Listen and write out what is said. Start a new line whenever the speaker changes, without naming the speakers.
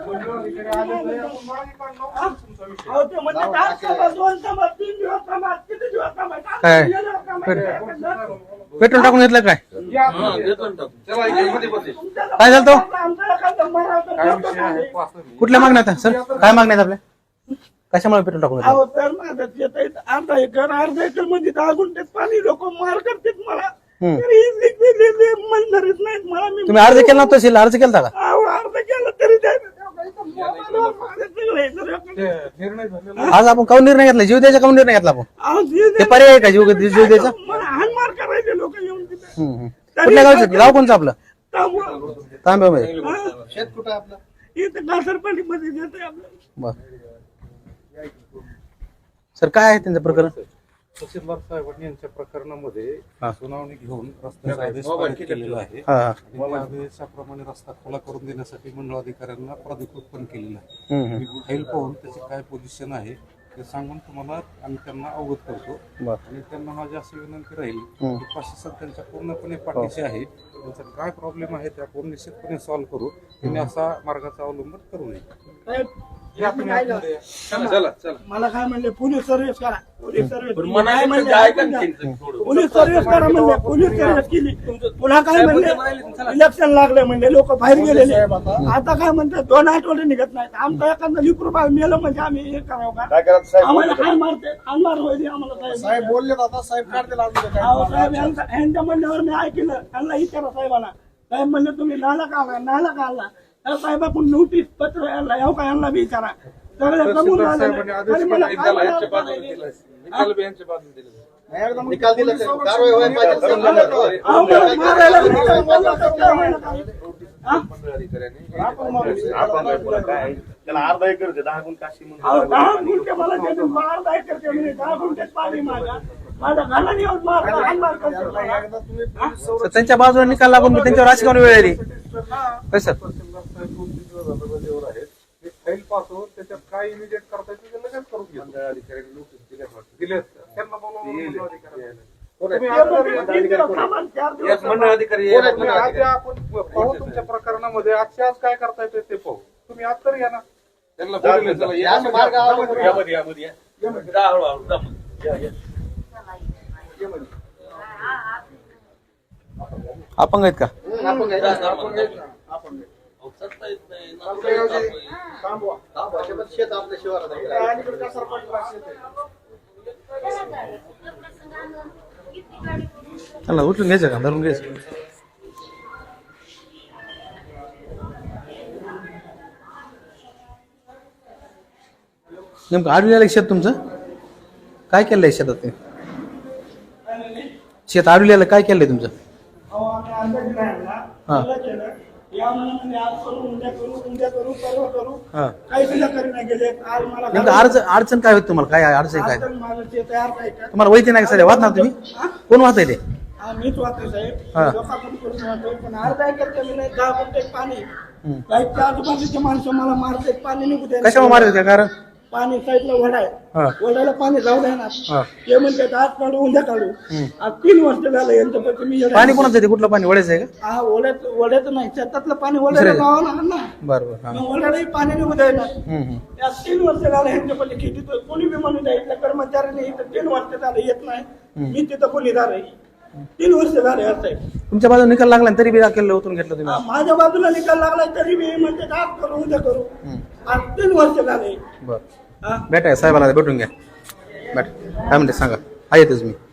काय पेट्रोल टाकून घेतलं काय काय झालं तो कुठल्या मागण्यात सर काय मागण्यात आपल्या कशामुळे पेट्रोल टाकून
अर्धा एकर मध्ये 10 गुंठ्यात पाणी लोक मार करतात मला मंजूरच नाहीत मला.
तुम्ही अर्ज केला नव्हता तहसील अर्ज केला का
अर्ज केला तरी
आज आपण काऊन निर्णय घेतला जीव द्यायचा काऊन निर्णय घेतला आपण ते पर्याय आहे का जीव द्यायचा
हानमार करायचे लोक येऊन तिथे.
कुठल्या गावचं गाव कोणचं आपलं तांब्यामध्ये
शेत कुठं आपलं
इथं घासरपल्लीमध्ये देते आपलं.
बर सर काय आहे त्यांचं प्रकरण
तहसीलदार साहेबांनी यांच्या प्रकरणामध्ये सुनावणी घेऊन रस्त्याचा आदेश पारित केलेला आहे आणि त्या आदेशाप्रमाणे रस्ता खुला करून देण्यासाठी मंडळाधिकाऱ्यांना प्राधिकृत पण केलेलं आहे. मी फाईल पाहून त्याची काय पोझिशन आहे ते सांगून तुम्हाला आम्ही त्यांना अवगत करतो आणि त्यांना माझी अशी विनंती राहील की प्रशासन त्यांच्या पूर्णपणे पाठीशी आहे. त्यांचा काय प्रॉब्लेम आहे ते आपण निश्चितपणे सॉल्व्ह करू. त्यांनी असा मार्गाचा अवलंब करू नये.
मला काय म्हणले पोलीस सर्व्हिस करा पोलीस सर्व्हिस करा म्हणले पोलीस सर्व्हिस केली. पुन्हा काय म्हणले इलेक्शन लागले म्हणले लोक बाहेर गेलेले. आता काय म्हणतात 2 आठवडे निघत नाहीत. आमचा एखादा लिकरू बाळ मेलं म्हणजे आम्ही हे करावं का आम्हाला काय मारते हानमार होईल आम्हाला
साहेब बोलले आता साहेब काढतील
साहेब यांच्या म्हणल्यावर मी ऐकलं. त्यांना विचारा साहेबांना साहेब म्हणले तुम्ही नाला का आला त्या साहेबाकडून नोटीस पत्र यायला याव का यांना बी विचारा सगळे कमून
निकाल दिला कारवाई व्हायला त्याला अर्धा एकर 10 गुंठ काशी
10 गुंठे मला अर्धा एकर 10 गुंठ्यात पाणी माझ्या घराने येऊन मार
त्यांच्या बाजूला निकाल लागून मी त्यांच्यावर राजकारण वेळ आली कसं
फाईल पाहतो त्याच्यात काय इमिडिएट करता येईल ते लगेच करून घेऊ. दिले त्यांना पाहू तुमच्या प्रकरणामध्ये आजच्या आज काय करता येते ते पाहू. तुम्ही आज तर या ना त्यांना
अपंग आहेत का
शेत आपल्या शिवारात
चला उठून घ्यायचं का धरून घ्यायचं नेमकं आडविलेलं शेत तुमचं काय केलंय शेतात ते शेत आडविलेलं काय केलंय तुमचं अडचण काय होत तुम्हाला काय अडचण काय तुम्हाला वैते नाही सध्या वाच ना तुम्ही कोण वाचताय ते
मीच वाचते साहेब लोकांकडून करून वाचतोय पण अर्धा एकर जमीन आहे 10 गुंठे पाणी लाईटच्या आजूबाजूचे माणसं मला मारते पाणी निघू दे
कशामुळे मारायचं कारण
पाणी साईडला वडा आहे वड्याला पाणी जाऊ द्या ना ते म्हणतात आज काढू उद्या काढू आज 3 वर्ष झालं यांच्यापैकी मी
पाणी कोणाचं ते कुठलं पाणी वड्याचं आहे का
हा वड्याचं नाही शेतातलं पाणी वड्याला जावं लागणार ना
बरोबर
वड्यालाही पाणी निघू द्यायला या 3 वर्ष झालं यांच्यापैकी खेटीत कोणी बी म्हणून द्या इथल्या कर्मचाऱ्यांनी इथं 3 वर्ष झालं येत नाही मी तिथं कोणीदार आहे 3 वर्ष झाले असं आहे
तुमच्या बाजूला निकाल लागला तरी बी केलं उतरून घेतलं तुम्ही
माझ्या बाजूला निकाल लागला तरी मी म्हणते आज करू उद्या करू आज 3 वर्ष झाले
बरं भेटाय साहेबाला भेटून घ्या बॅट काय म्हणते सांगा येतेच मी